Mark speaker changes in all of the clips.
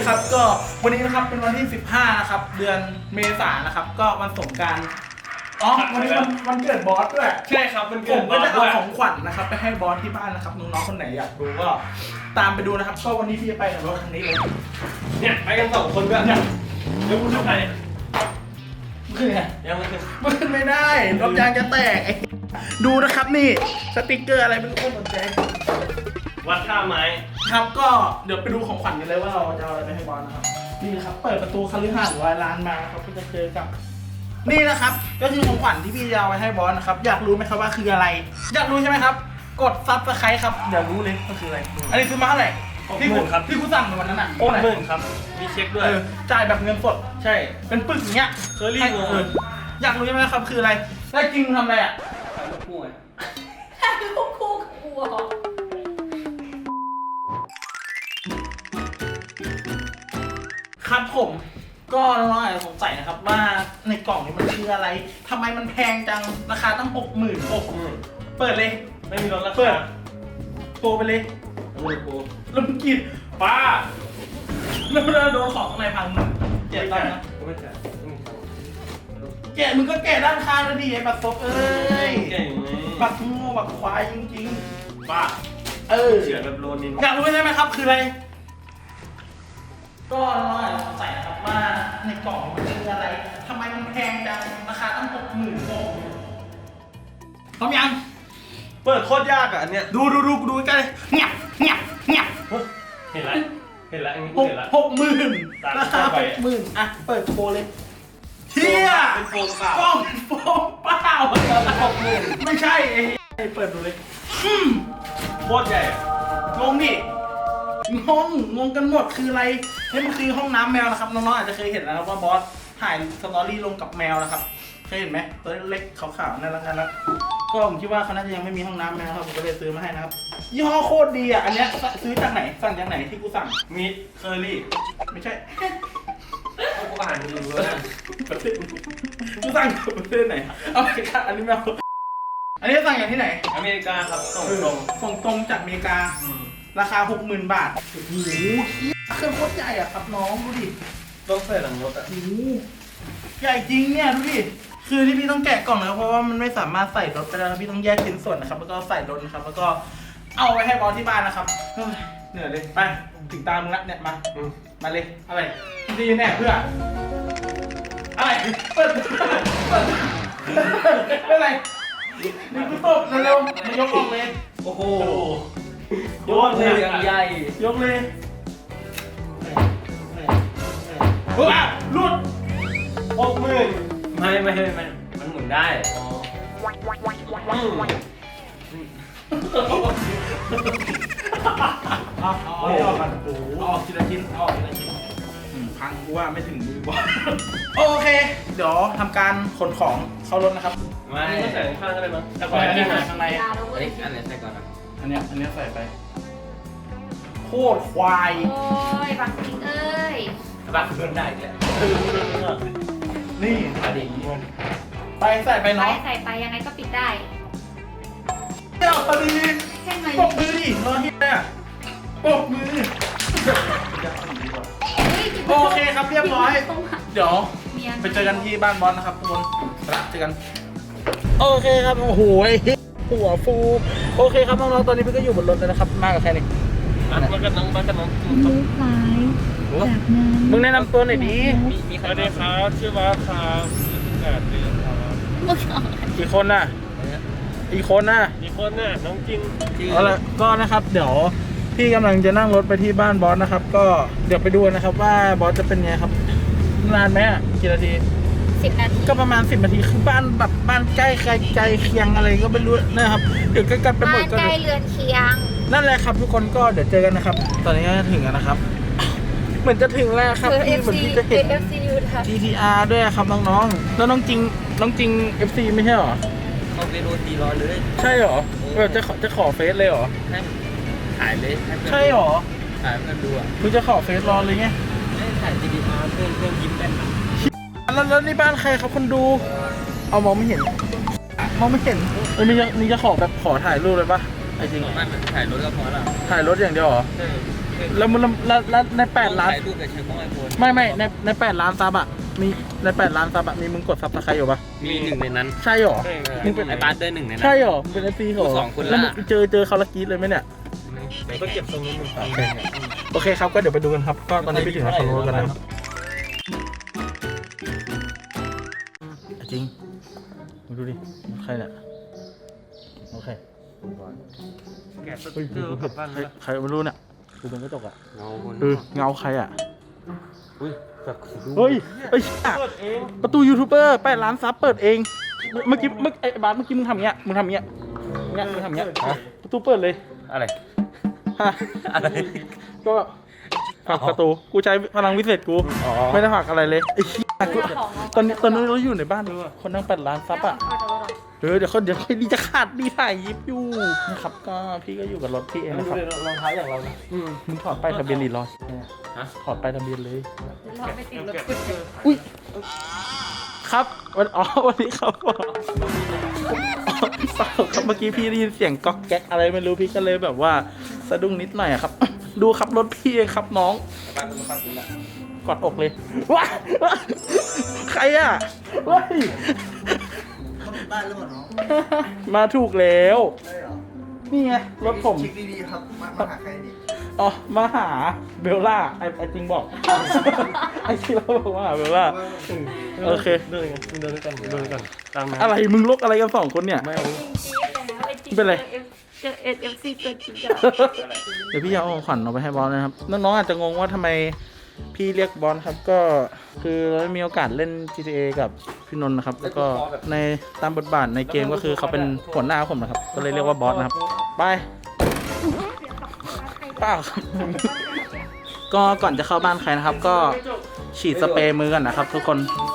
Speaker 1: ครับก็วันนี้นะครับเป็นวันที่15นะครับเดือนเมษายนนะครับก็วันสงกรานต์วันนี้วันเกิดบอสด้วย
Speaker 2: ใช่ครับมันเกิ
Speaker 1: ผ
Speaker 2: ด
Speaker 1: มก็จะเอาของขวัญนะครับไปให้บอสที่บ้านนะครับน้องๆคนไหนอยากดูก็ตามไปดูนะครับก็วันนี้พี่จะไปกับรถคันนี้เลย
Speaker 2: เนี่ยไปกัน2 คนด้วยเนี่ยเดี๋ยวคุณทำไง
Speaker 1: ขึ้นไง
Speaker 2: ยังไม่ขึ้น
Speaker 1: ขึ้นไม่ได้รถยางจะแตกดูนะครับนี่สติกเกอร์อะไรเป็นโคตรสนใจ
Speaker 2: วัดท่าไม้
Speaker 1: ครับก็เดี๋ยวไปดูของขวัญกันเลยว่าเราจะเอาอะไรไปให้บอสนะครับนี่นะครับเปิดประตูคฤหาสน์ร้านมาครับก็จะเจอกับนี่นะครับก็คือของขวัญที่พี่จะเอาไปให้บอสนะครับอยากรู้ไหมครับว่าคืออะไรอยากรู้ใช่ไหมครับกดซับสไครต์ครับอยากรู้เลยก็คืออะไรอันนี้ซื้อมาเท่าไหร่ที่กูสั่งในวันนั้นอ่ะ
Speaker 2: 60,000ครับมีเช็คด้วย
Speaker 1: จ่ายแบบเงินสด
Speaker 2: ใช่
Speaker 1: เป็นปึกอย่างเงี้ย
Speaker 2: เคอรี่งง
Speaker 1: อยากรู้ใช่ไหมครับคืออะไรแล้วจริงทำอะไรอ่ะ
Speaker 2: ถ่ายรูปคู่ไง
Speaker 3: ถ่ายรูปคู่กับกูเหรอ
Speaker 1: ครับผมก็น้องๆอาจจะสงสัยนะครับว่าในกล่องนี้มันคืออะไรทำไมมันแพงจังราคาตั้ง60,000เปิดเลย
Speaker 2: ไม่มีรถรา
Speaker 1: เปิ
Speaker 2: คา
Speaker 1: ดโทรไปเลย
Speaker 2: โอ้โห
Speaker 1: แล้วมึงกิน
Speaker 2: ป้า
Speaker 1: แล้วมันโดนของข้างในพังมึงเจ็บตังค์นะ
Speaker 2: ไม่จ่าย
Speaker 1: แกะมึงก็แกะด้านข้างแล้วดิไอ้บัตรซบเอ้ย
Speaker 2: เก่งไหม
Speaker 1: บัตรโง่บัตรควายจริง
Speaker 2: ป้า
Speaker 1: ๆ
Speaker 2: เฉือนแบบโลนิน
Speaker 1: อยากรู้ใช่ไหมครับคืออะไรก็น้องๆอาจจะสงสัยนะครับว่าในกล่องมันคืออะไรทำไมมันแพงจังราคาตั้ง60,000พร้อมยัง
Speaker 2: เปิดโคตรยากอ่ะอันเนี้ย
Speaker 1: ดูกันเลยเงียบ
Speaker 2: เห็นแล้วเห็นแล้วอันนี้
Speaker 1: หก
Speaker 2: เห็นแล้ว
Speaker 1: 60,000
Speaker 2: ตาม
Speaker 1: ราคา
Speaker 2: เข้าไป
Speaker 1: 60,000อ่ะเปิดโชว์เลยเฮีย
Speaker 2: เป็นโฟมเปล่าก
Speaker 1: ล้องโฟมเปล่าไม่ใช่ไอ้เปิดดูเลย
Speaker 2: โคตรใหญ่อะ
Speaker 1: งงดิงงกันหมดคืออะไรนี่มันคือห้องน้ำแมวนะครับน้องๆอาจจะเคยเห็นนะครับว่าบอสถ่ายสตอรี่ลงกับแมวนะครับเคยเห็นไหมตัวเล็กๆขาวๆน่ารักก็ผมคิดว่าเขาน่าจะยังไม่มีห้องน้ำแมวครับผมก็เลยซื้อมาให้นะครับยี่ห้อโคตรดีอ่ะอันเนี้ยซื้อจากไหนสั่งจากไหนที่กูสั่ง
Speaker 2: มีเคอรี่
Speaker 1: ไม่ใช่
Speaker 2: กูอ่านดูแล้วนะ
Speaker 1: ประเทศกูสั่งจากประเทศไหนเอาไปค่ะอันนี้แมวอันนี้สั่งจากที่ไหน
Speaker 2: อเมริกาครับส่งตรง
Speaker 1: ส่งตรงจากอเมริกา ราคา 60,000 บาทโอ้โหเครื่องโคตรใหญ่อะครับน้องดูดิ
Speaker 2: ต้องใส่หลังรถอ่ะ
Speaker 1: โอ้โหใหญ่จริงเนี่ยดูดิคือที่พี่ต้องแกะกล่องนะครับเพราะว่ามันไม่สามารถใส่รถไปได้นะพี่ต้องแยกชิ้นส่วนนะครับแล้วก็ใส่รถนะครับแล้วก็เอาไปให้บอสที่บ้านนะครับเฮ้ยเหนื่อยเลยไปถึงตามมึงละเนี่ยมาเลยอะไรดีแน่เพื่ออะไรเปิดเป็นไรนี่กูตบเร็วๆมายกออกเลย
Speaker 2: โอ้โห
Speaker 1: ยกเลย
Speaker 2: อย่างใหญ่
Speaker 1: ยกเลยว้าลุด
Speaker 2: 60,000ไม่มันหมุนได้อ๋อ
Speaker 1: เอาออกกันโอ้โหออกทีละชิ้นออกทีละชิ้นพังกูว่าไม่ถึงมือบอลโอเค เดี๋ยวทำการขนของเข้ารถนะครับ
Speaker 2: ไม่ก็ใส่ข้างก็ได้มั้ง
Speaker 1: แต่ก่อนอันนี้ใส่ข้างใน
Speaker 3: ยาแล้วเว้ย
Speaker 2: อันไหนใส่ก่อนนะ
Speaker 1: อันเนี้ยใส่ไปโคตรควาย
Speaker 3: โอ้ยบักจริงเอ้ย
Speaker 2: บักเพื่อนได้อีกแล้ว
Speaker 1: นี่
Speaker 2: อดีต
Speaker 1: ไปใส่ไป
Speaker 3: ไป
Speaker 1: เนาะ
Speaker 3: ใส่ไปยังไงก็ปิดได้
Speaker 1: เดี๋ยวพอดี
Speaker 3: แค่ไหน
Speaker 1: ปกมือดิรอเฮียเนี่ยปกมือ โอเคครับเรียบร้อย เดี๋ยวไปเจอกันที่บ้านบอสนะครับทุกคนเจอกัน โอเคครับโอ้โหหัวฟูโอเคครับน้องๆตอนนี้พี่ก็อยู่บนรถแล้วนะครับมากับใครนี่
Speaker 2: มากันน้อง
Speaker 4: เลี้ยวซ้ายจากนั้น
Speaker 1: มึงแนะนำตัวหน่อยดิ
Speaker 2: มีใครได้ครับชื่อว่าครับ8 เดือนครับ
Speaker 1: กี่คนน่ะอีกคนน่ะ
Speaker 2: มีคนน่ะน้องจริง
Speaker 1: เอาละก็นะครับเดี๋ยวพี่กำลังจะนั่งรถไปที่บ้านบอสนะครับ ก็เดี๋ยวไปดูนะครับว่าบอสจะเป็นไงครับนานไหมกี่นาที
Speaker 3: 10 นาที
Speaker 1: ก็ประมาณ10 นาทีคือบ้านแบบบ้านใกล้เคียงอะไรก็ไม่รู้นะครับเดี๋ยวใกล้ๆไปหม
Speaker 3: บ้า
Speaker 1: ด
Speaker 3: น
Speaker 1: ก็
Speaker 3: ใกล้เรือนเคียง
Speaker 1: นั่นแหละครับทุกคนก็เดี๋ยวเจอกันนะครับ ตอนนี้ก็ถึงแล้วนะครับ เหมือนจะถึงแล้วครับ
Speaker 3: คือ
Speaker 1: พี่เหมือน
Speaker 3: FC
Speaker 1: ที่จะเห็น
Speaker 3: คือ FC อยู่นะ
Speaker 1: GTR ด้วยครับน้องๆแล้วน้องจริง FC ไม่ใช่หรอ
Speaker 2: เขาไปโดนตีร้อนเลย
Speaker 1: ใช่หรอแบบจะขอเฟซเลยหรอ
Speaker 2: ให้ถ่ายเลยให้เพื่อน
Speaker 1: ใช่หรอ
Speaker 2: ถ่ายเพื่อนดูอ่ะ
Speaker 1: คุณจะขอเฟซรอเลยไง
Speaker 2: ให้ถ่าย GDR เพื่อนยิ้มเป็นอ่ะ
Speaker 1: แล้วนี่บ้านใครครับคนดู เอามองไม่เห็นมีจะขอแบบขอถ่ายรูปเลยปะไอ้จริง
Speaker 2: ไม่ถ่ายรถก็พอละ
Speaker 1: ถ่ายรถอย่างเดียวเหรอ
Speaker 2: ใช่
Speaker 1: แล้วใน8 ล้าน
Speaker 2: ถ่ายรูปกับเชิงกล้องไอโฟน
Speaker 1: ไม่ใน8 ล้านซับอะมีใน8 ล้านซับอะมีมึงกดซับสไครต์อยู่ปะ
Speaker 2: มีหนึ่งในนั้น
Speaker 1: ใช่หรอ
Speaker 2: มึงเป็นไอ้บาสด้วยหนึ่งในนั้น
Speaker 1: ใช่หรอมึงเป็น FC เหรอ
Speaker 2: สองคนละ
Speaker 1: แล้วมึงเจอเขาละกรีดเลยไหมเนี่ย
Speaker 2: ก็เก็บทรงนี้มึง
Speaker 1: โอเคครับก็เดี๋ยวไปดูกันครับก็ตอนนี้ไปถึงคอนโดกันแล้วจริงมาดูดิใครเนี่ยโอเค
Speaker 2: แกะสติ๊กเกอร์กลับบ้านแล้ว
Speaker 1: ใครไม่รู้เนี่ยกูเป็นกระจกอ่ะ
Speaker 2: เงาคน
Speaker 1: เงาใครอ่ะ
Speaker 2: อุ้ยแบบ
Speaker 1: เฮ้ยประตูยูทูบเบอร์8 ล้านซับเปิดเองเมื่อกี้ไอ้บาสเมื่อกี้มึงทำเงี้ยมึงทำเงี้ยประตูเปิดเลย
Speaker 2: อะไร
Speaker 1: ฮะ
Speaker 2: อะไร
Speaker 1: ก็ผลักประตูกูใช้พลังวิเศษกู
Speaker 2: อ๋อ
Speaker 1: ไม่ได้ผลักอะไรเลยไอ้เหี้ยกูตอนนี้เราอยู่ในบ้านคนนั่ง8 ล้านซับอ่ะเดี๋ยวค่อยดีจะขาดดีถ่ายยิบอยู่นะครับก็พี่ก็อยู่กับรถพี่เองนะครับ
Speaker 2: รองเท้าอย่างเรานะ
Speaker 1: มึงถอดป้ายทะเบียนดีรอย
Speaker 2: ฮะ
Speaker 1: ถอดป้ายทะเบเลย
Speaker 3: เราไปติดรถ
Speaker 1: อุ้ยครับวันนี้ครับเปล่าครับเมื่อกี้พี่ได้ยินเสียงก๊อกแก๊กอะไรไม่รู้พี่ก็เลยแบบว่าสะดุ้งนิดหน่อยอะครับ ดูครับรถพี่เองครับน้องกอดอกเลยว้าใครอ่ะเฮ้ย
Speaker 5: ได้หรือเปล่าน้อง
Speaker 1: มาถูกแล้ว
Speaker 5: ได้เหรอ
Speaker 1: นี่ไงรถผม
Speaker 5: เช็คดีๆครับ มาหาใครดี
Speaker 1: อ๋อมาหาเบลล่าไอจริงบอก ไอจริงเราบอกว่าหาเบลล่าโอเค
Speaker 2: เดินกันเดินด้วยกันเดินด้วยกันตามนะ
Speaker 1: อะไรมึงลกอะไรกัน2 คนเนี่ย
Speaker 2: ไม่เอา
Speaker 1: เป็นไร
Speaker 3: เจอ NFC ตัวจริงจัง
Speaker 1: เดี๋ยวพี่เอาของขวัญเอาไปให้บอลนะครับน้องๆอาจจะงงว่าทำไมพี่เรียกบอลครับก็คือเราได้มีโอกาสเล่น GTA กับพี่นนท์นะครับแล้วก็ในตามบทบาทในเกมก็คือเขาเป็นหัวหน้าผมนะครับก็เลยเรียกว่าบอสนะครับไปเปล่าครับก็ก่อนจะเข้าบ้านใครนะครับ ก็ฉีดสเปรย์มือกันนะครับ ทุกคน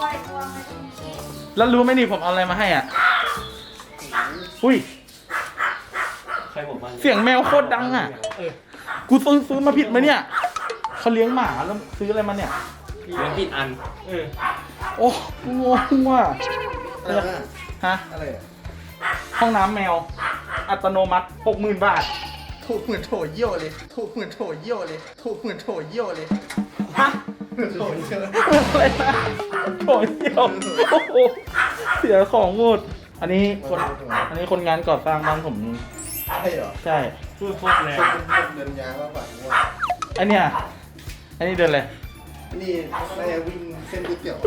Speaker 1: แล้วรู้ไหมนี่ผมเอาอะไรมาให้อ่ะอุ้ย
Speaker 2: ใครบอกมา
Speaker 1: เสียงแมวโคตรดังอ่ะกูซื้อมาผิดไหมเนี่ยเขาเลี้ยงหมาแล้วซื้ออะไรมาเนี่ย
Speaker 2: เลี้ยงผิดอัน
Speaker 1: โอ้งงว่ะ
Speaker 5: อะไรนะ
Speaker 1: ฮะ
Speaker 5: อะไรอะ
Speaker 1: ห้องน้ำแมว อัตโนมัติ 60,000 บาท
Speaker 5: ถูกเหมือนโถเยี่ยวเลย ถูกเหมือนโถเยี่ยวเลย ถูกเหมือนโถเยี่ยวเลย
Speaker 1: ฮะ
Speaker 5: เหมือนโถเยี่ยวเลย
Speaker 1: อะไรนะโถเดียวโอ้โหเสียของหมดอันนี้คนงานก่อสร้างบ้านผม
Speaker 5: ใช่เหรอ
Speaker 1: ใช่
Speaker 2: พูดโคตรแรง
Speaker 5: เดินยางมากกว่า
Speaker 1: อันเนี้ยอันนี้เดินเลย
Speaker 5: นี่น่าจะวิ่งเส้นก๋วยเตี๋ยว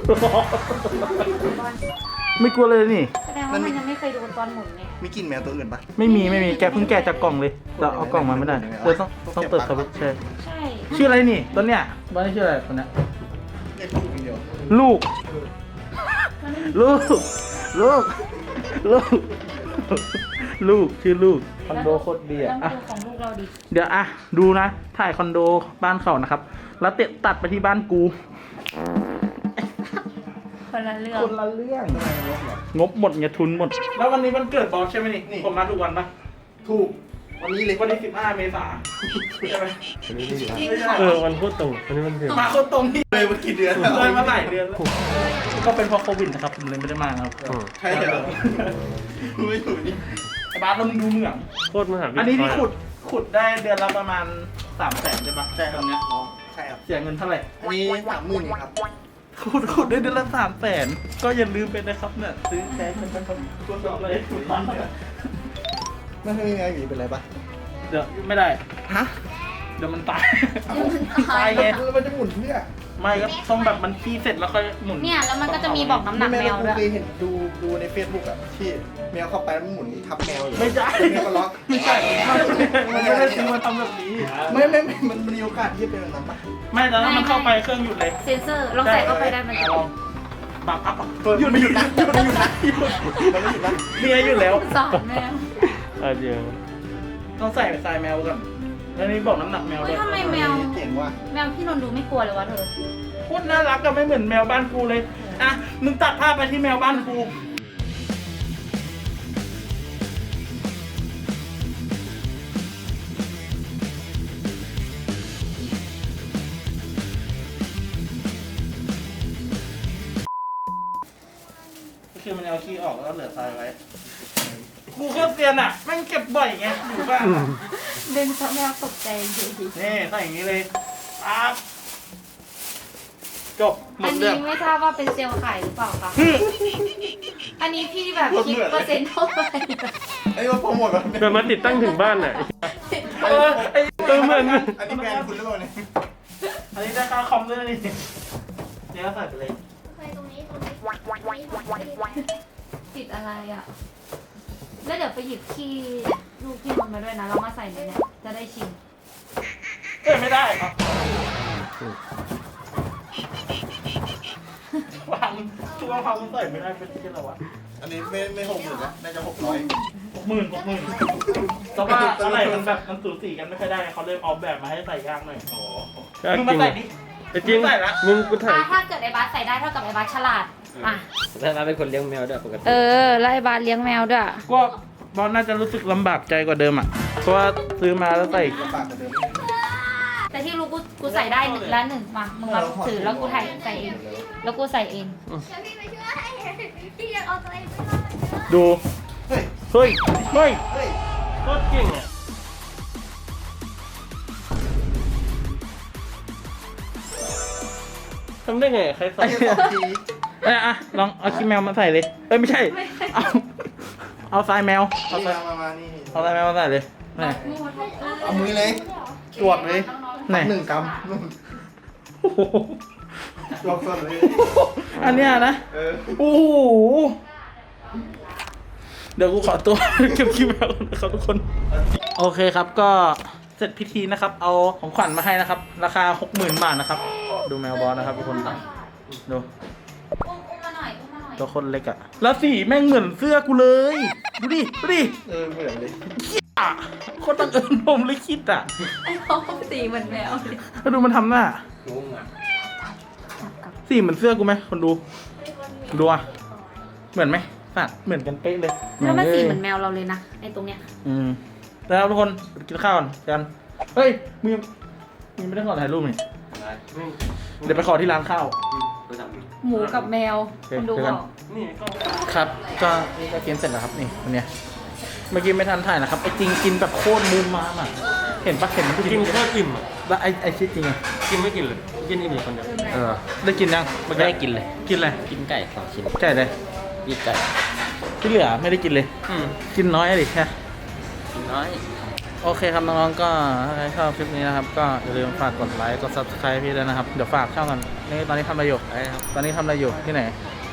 Speaker 1: ไม่กลัวเลยนี่
Speaker 3: แสดงว่ามันยังไม่เคยโดนตอนหมุนเนี่ย
Speaker 5: มีกลิ่นแมวตัวอื่นปะ
Speaker 1: ไม่มีแกะเพิ่งแกะจากกล่องเลยเราเอากล่องมาไม่ได้เออต้องเปิดสวิตช์ใช่
Speaker 3: ใช่
Speaker 1: ชื่ออะไรนี่ตัวเนี้ยบ้านนี้ชื่ออะไรตัวเนี้ย
Speaker 5: เรียกลูกอย่างเดียว
Speaker 1: ลูก ลูก ลูก ลูก ลูก ชื่อลูก คอนโดโคตรดี
Speaker 3: แล้ว
Speaker 1: อ่ะ
Speaker 3: ดูของลูกเราดิ
Speaker 1: เดี๋ยวอ่ะ ดูนะ ถ่ายคอนโดบ้านเขานะครับ แล้วตัดไปที่บ้านกู
Speaker 3: คนละเรื่อง
Speaker 1: คนละเรื่อง งบหมดไงทุนหมด แล้ววันนี้วันเกิดบอสใช่ไหมนี่ ผมมาทุกวันปะ
Speaker 5: ถูก วันนี้เลย
Speaker 1: วันที่15 เมษายนใช่ไหมไม่ใช่
Speaker 2: วันพูดตรงวันนี้มันเดือด
Speaker 1: มาคนตรงที่
Speaker 5: เลยมากี่เดือนแล้ว
Speaker 1: เลยมาหลายเดือนแล้วก็เป็นเพราะโควิดนะครับผมเลยไม่ได้มาครับ
Speaker 5: ใช่เหรอไม่ถูกนี่
Speaker 1: ไอ้บาสเรามึงดูเหมือง
Speaker 2: โคตรมหาวิทยาลัย
Speaker 1: อันนี้ที่ขุดได้เดือนละประมาณ300,000ใช่ปะ
Speaker 5: ใช่ครับ
Speaker 1: ตอนเนี้ย
Speaker 5: น้องใช่ครับ
Speaker 1: เสียเงินเท่าไหร่
Speaker 5: อันนี้30,000ครับ
Speaker 1: ขุดได้เดือนละ300,000ก็อย่าลืมไปนะครับเนี่ยซื้อแพงเป็นคนตัวสอบเลย
Speaker 5: ไม่ใช่แมวอยู่เป็นไรปะ
Speaker 1: เดี๋ยวไม่ได้
Speaker 5: ฮะ
Speaker 1: เดี๋ยวมันตายตายไง
Speaker 5: มันจะหมุนเพื่อ
Speaker 1: ไม่ก็ต้องแบบมันขี้เสร็จแล้วค่อยหมุน
Speaker 3: เนี่ยแล้วมันก็จะมีบอกน้ำหนักแมว
Speaker 5: กู
Speaker 3: ด้วย
Speaker 5: เคยเห็นดูใน Facebook อะที่แมวเข้าไปแล้วมันหมุนทับแมวอยู่
Speaker 1: ไม่ใช่
Speaker 5: แมวก็ล็อก
Speaker 1: ไม่ใช่มันไม่ได้ซื้อมาทำแบบนี้
Speaker 5: ไม่มันมีโอกาสที่จะเป็นแบบนั้นปะ
Speaker 1: ไม่แต่ถ้ามันเข้าไปเครื่องหยุดเลย
Speaker 3: เซนเซอร์ลองใส่เข้าไปได้มันจะ
Speaker 1: ลองบับอัพ
Speaker 5: หยุดไม่หยุดนะหยุดไม่หยุดนะมันไม่หยุดนะ
Speaker 1: เนี่ยหยุดแล้ว
Speaker 3: สอนแมว
Speaker 2: เดี๋ยว
Speaker 1: ต้องใส่ไปทรายแมวก่อนแล้วนี่บอกน้ำหนักแมว
Speaker 3: เฮ้
Speaker 1: ด้
Speaker 3: ย
Speaker 1: วย
Speaker 3: ทำไมแมว
Speaker 5: เก่งว่ะ
Speaker 3: แมวพี่นนท์ดูไม่กลัวเลยวะเธอ
Speaker 1: โคตรน่ารักก็ไม่เหมือนแมวบ้านกูเลยอ่ะมึงตัดภาพไปที่แมวบ้านกูก็คือมันเอาขี้ออกแล้วเหลือทรายไว้กูโคตรเซียนอ่ะแม่งเก็บบ่อยไงอยู่บ้านอะ
Speaker 3: เล่นซะแมวตกใจจริง
Speaker 1: นี่ใส่อย่างนี้เลยปั๊บจบหม
Speaker 3: อั
Speaker 1: ด
Speaker 3: น
Speaker 1: เรื่
Speaker 3: นี้
Speaker 1: อง
Speaker 3: ไม่ทราบว่าเป็นเซลล์ไข่หรือเปล่าคะอันนี้พี่แบบคิดเปอร์เซ็นต์เท่าไหร่
Speaker 5: ไอ้ว่าโปรโมทก่อน
Speaker 2: เกิดมาติดตั้งถึงบ้านน่ะ เหมือน
Speaker 5: อันนี้แบรนด์คุณหรือเปล่าเนี่ย
Speaker 1: อันนี้ได้ค่าคอมด้วยนะนี่เนี่ยใส่ไปเลย
Speaker 3: ติดอะไรอ่ะแล้วเดี๋ยวไปหยิบขี้ลูกพี่มันมาด้วยนะเรามาใส่ในเนี่ยจะได้ชิม
Speaker 1: เอ้ยไม่ได้ครับวางช่วงความมันใส่ไม่ได้เป็นที่เราอะ
Speaker 5: อันนี้ไม่60,000นะน่าจะ600
Speaker 1: 60,000แต่ว่าอะไรมันแบบมันสูสีกันไม่ค่อยได้เขาเลยออกแบบมาให้ใส่ยากหน่อย มึงมาใส่ดิ
Speaker 2: จริง
Speaker 1: ใส่ละ
Speaker 2: มึงกูถ่าย
Speaker 3: ถ้าเกิดไอ้บาสใส่ได้เท่ากับไอ้บาสฉลาดอ่ะ
Speaker 2: แล้วเราเป็นคนเลี้ยงแมวด้วยปกติ
Speaker 3: แล้วไอ้บาสเลี้ยงแมวด้วย
Speaker 1: ก็บอลน่าจะรู้สึกลำบากใจกว่าเดิมอ่ะ เพราะว่าซื้อมาแล้วใส่
Speaker 5: ปากกว่าเดิม
Speaker 3: แต่ที่รู้กูใส่ได้ละหนึ่งมามึงมาถือแล้วกูถ่ายใส่เอง แล้วกูใส่เอง
Speaker 6: พี่ไปช่วยพี่ยังเอาตัวเองไม่รอดเลย
Speaker 1: ดู
Speaker 5: เฮ้ย
Speaker 1: เฮ้ย เฮ้ย
Speaker 5: เฮ้ย
Speaker 2: โคตรเก่งอ่ะทำได้ไงใครใส่
Speaker 5: ไอ้เหี้ย2 ที
Speaker 1: อ่ะลองเอาขี้แมวมาใส่เลย เอ้ยไม่ใช่ เอาทรายแมว เอา
Speaker 5: นี่
Speaker 1: ทราย
Speaker 5: มานี่
Speaker 1: เอาทรายแมวมาใส่เลยนี่
Speaker 5: เอามือเลยจวดเลย
Speaker 1: ไหน
Speaker 5: 1 กรัมนู่น
Speaker 1: โอ้โห
Speaker 5: จวดสดเลย
Speaker 1: อันเนี้ยนะ โอ้โห เดี๋ยวกูขอตัว เก็บคลิปแล้วนะครับทุกคน โอเคครับก็เสร็จพิธีนะครับ เอาของขวัญมาให้นะครับ ราคา 60,000 บาทนะครับ ดูแมวบอสนะครับทุกคนดู
Speaker 3: อุ้มมาหน่อยอุ้มมาหน่อย
Speaker 1: ตัวคนเล็กอะแล้วสีแม่งเหมือนเสื้อกูเลย ดูดิ ดูดิ
Speaker 5: เหมือนเลย
Speaker 1: อ่ะโคตรบังเอิญผมเลยคิดอ่ะ
Speaker 3: ไอ้เขาสีเหมือนแมว
Speaker 1: แล้วดูมันทำหน้า
Speaker 2: งงอ่ะ
Speaker 1: สีเหมือนเสื้อกูไหมคนดู ดูอ่ะ เหมือนไหมสัตว์เหมือนกันเป๊ะเลย
Speaker 3: แล้วมันสีเหมือนแมวเราเลยนะไอ้ตรงเนี้ย
Speaker 1: แล้วทุกคนกินข้าวก่อนกันเฮ้ยมึงไม่ได้ขอถ่ายรูปนี่เดี๋ยวไปขอที่ร้านข้าว
Speaker 3: หมูกับแมว คนดูบอก
Speaker 2: นี่ก็
Speaker 1: ครับ ก็นี่ก็กินเสร็จแล้วครับนี่วันเนี้ยเมื่อกี้ไม่ทันถ่ายนะครับไอ้จริงกินแบบโคตรมุมมามอ่ะเห็นปะเห็นมัน
Speaker 2: กินโคตรอิ่มอ่ะ
Speaker 1: แล้วไอ้ชิ้นจริงอ่ะ
Speaker 2: กินไม่กินเลยกินอิ่มอยู่คนเดียว
Speaker 1: ได้กินยัง
Speaker 2: ไม่ได้กินเลย
Speaker 1: กินอะไร
Speaker 2: กินไก่2 ชิ้น
Speaker 1: ไก่เลย
Speaker 2: ปีกไก่
Speaker 1: ที่เหลือไม่ได้กินเลย กินน้อยอะดิแค่
Speaker 2: กินน้อย
Speaker 1: โอเคครับน้องๆก็ถ้าใครชอบคลิปนี้นะครับก็อย่าลืมฝากกดไลค์กด subscribe พี่ด้วยนะครับเดี๋ยวฝากช่องกันนี่ตอนนี้ทำอะไรอยู่ตอนนี้ทำอะไรอยู่ที่ไหน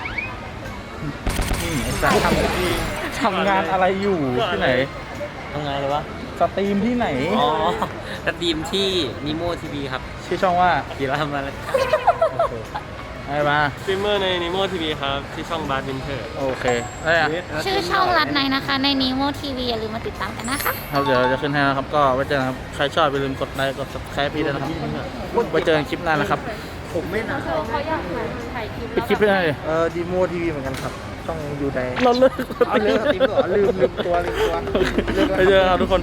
Speaker 1: ไอ้สัสทำงานอะไรอยู่ที่ไหน
Speaker 2: ทำไงเลยวะ
Speaker 1: สตรีมที่ไหน
Speaker 2: อ๋อสตรีมที่นิโมทีวีครับ
Speaker 1: ชื่อช่องว่า
Speaker 2: กีฬามาแล้ว
Speaker 1: โอเคไอ้มา
Speaker 2: สตรีมเมอร์ในนิโมทีวีครับที่ช่องบาร์วินเทอร์
Speaker 1: โอเคได้อะ
Speaker 3: ชื่อช่องรัดในนะคะ ในนีโมทีวีอย่าลืมมาติดตามกันนะคะ
Speaker 1: ครับเดี๋ยวเราจะขึ้นให้นะครับก็ไว้เจอกันครับใครชอบอย่าลืมกดไลค์กด subscribe พี่ด้วยนะครับไว้เจอกันคลิปหน้านะครับ
Speaker 5: ผมไม่นะ
Speaker 3: เขาอยากถ่ายคลิป
Speaker 1: ปิดคลิปไปเลย
Speaker 5: ดีโมทีวีเหมือนกันครับ ต้องอยู่ใน
Speaker 1: เราเลิก
Speaker 5: เอาเลิกสตรีมก่อนลืมตัว
Speaker 1: ไปเจอกันครับทุกคน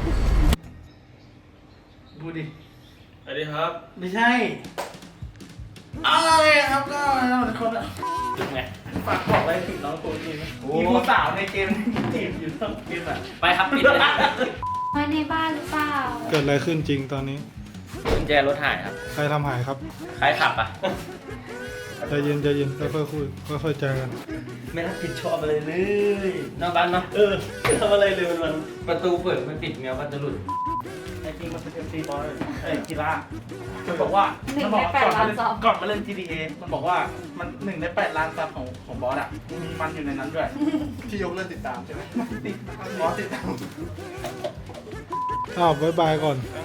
Speaker 1: ดูดิ
Speaker 2: สวัสดีครับ
Speaker 1: ไม่ใช่อะไรครับก็ทุกคนอะ
Speaker 2: จุดไง
Speaker 1: ฝากบอกอะไรถึงน้องตัวจริงมีผู้สาวในเกมจีบอยู่ทั้งเกมอ่ะ
Speaker 2: ไปครับปิดเลย
Speaker 3: ไว้ในบ้านหรือเปล่า
Speaker 7: เกิดอะไรขึ้นจริงตอนนี้
Speaker 2: กุญแจรถหายครับ
Speaker 7: ใครทำหายครับ
Speaker 2: ใครขับอ่ะ
Speaker 7: ใจเย็นค่อยๆคุยค่อยๆใจกัน
Speaker 2: ไม่รับผิดชอบอะไรเลยนอกบ้านเนาะทำอะไรเลยมันประตูเปิดมันปิดแมวมันจะหลุด
Speaker 1: ไอ้จริงมันเป็น MC บอลกีฬามันบอกว่ามันบอกก่อนมาเล่น GTA มันบอกว่ามัน1 ใน 8 ล้านซับของบอสอ่ะมีมันอยู่ในนั้นด้วย
Speaker 5: ที่ยกเลิกติดตามใช่ไหม
Speaker 1: ติด
Speaker 5: อ๋อติดตาม
Speaker 7: อ้าวบ๊ายบายก่อน
Speaker 1: เอ